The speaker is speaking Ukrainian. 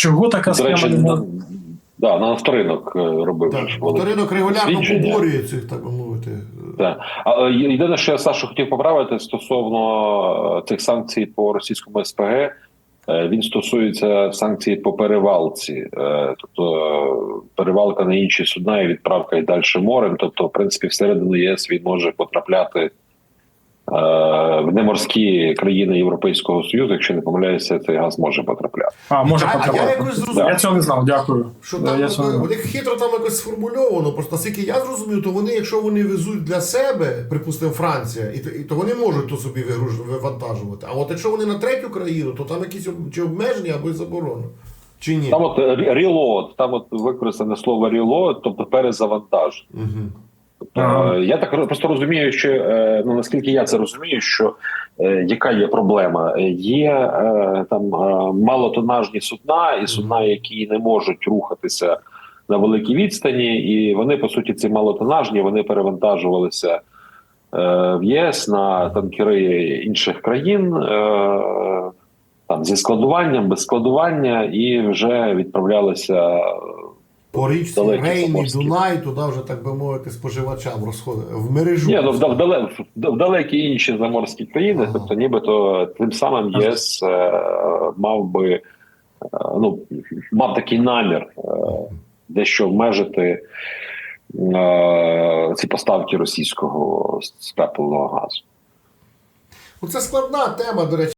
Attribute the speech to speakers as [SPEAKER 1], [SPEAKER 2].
[SPEAKER 1] Чого така
[SPEAKER 2] До
[SPEAKER 1] схема
[SPEAKER 2] речі,
[SPEAKER 1] не може?
[SPEAKER 2] на нафторинок робив.
[SPEAKER 3] Так,
[SPEAKER 2] ж велике
[SPEAKER 3] авторинок регулярно
[SPEAKER 2] дослідження.
[SPEAKER 3] поборює цих, так би мовити.
[SPEAKER 2] Так. А єдине, що я, Сашу, хотів поправити стосовно цих санкцій по російському СПГ, він стосується санкцій по перевалці, тобто перевалка на інші судна і відправка і далі морем. Тобто, в принципі, всередину ЄС він може потрапляти в неморські країни Європейського Союзу. Якщо не помиляюся, цей газ може потрапляти.
[SPEAKER 1] Може
[SPEAKER 3] А я
[SPEAKER 1] потрапляти.
[SPEAKER 3] якось зрозумів.
[SPEAKER 1] Я цього не знав, дякую.
[SPEAKER 3] Що там
[SPEAKER 1] Я цього не знав.
[SPEAKER 3] у них хитро там якось сформульовано. Просто наскільки я зрозумів, то вони, якщо вони везуть для себе, припустимо, Франція, то вони можуть то собі вивантажувати. А от якщо вони на третю країну, то там якісь чи обмеження або й заборони. Чи ні?
[SPEAKER 2] Там от reload, там от використане слово reload, тобто перезавантаж.
[SPEAKER 3] Угу.
[SPEAKER 2] Я так просто розумію, що наскільки я це розумію, що яка є проблема? Є там малотонажні судна і судна, які не можуть рухатися на великій відстані, і вони, по суті, ці малотонажні, вони перевантажувалися в ЄС на танкери інших країн, там зі складуванням, без складування, і вже відправлялися
[SPEAKER 3] По річці
[SPEAKER 2] далекі
[SPEAKER 3] Рейн і
[SPEAKER 2] заморські.
[SPEAKER 3] Дунай, туди вже, так би мовити, споживачам розходить. В мережу.
[SPEAKER 2] Ні, в далекі інші заморські країни, тобто нібито тим самим ЄС мав такий намір дещо обмежити ці поставки російського скрапленого газу.
[SPEAKER 3] Це складна тема, до речі.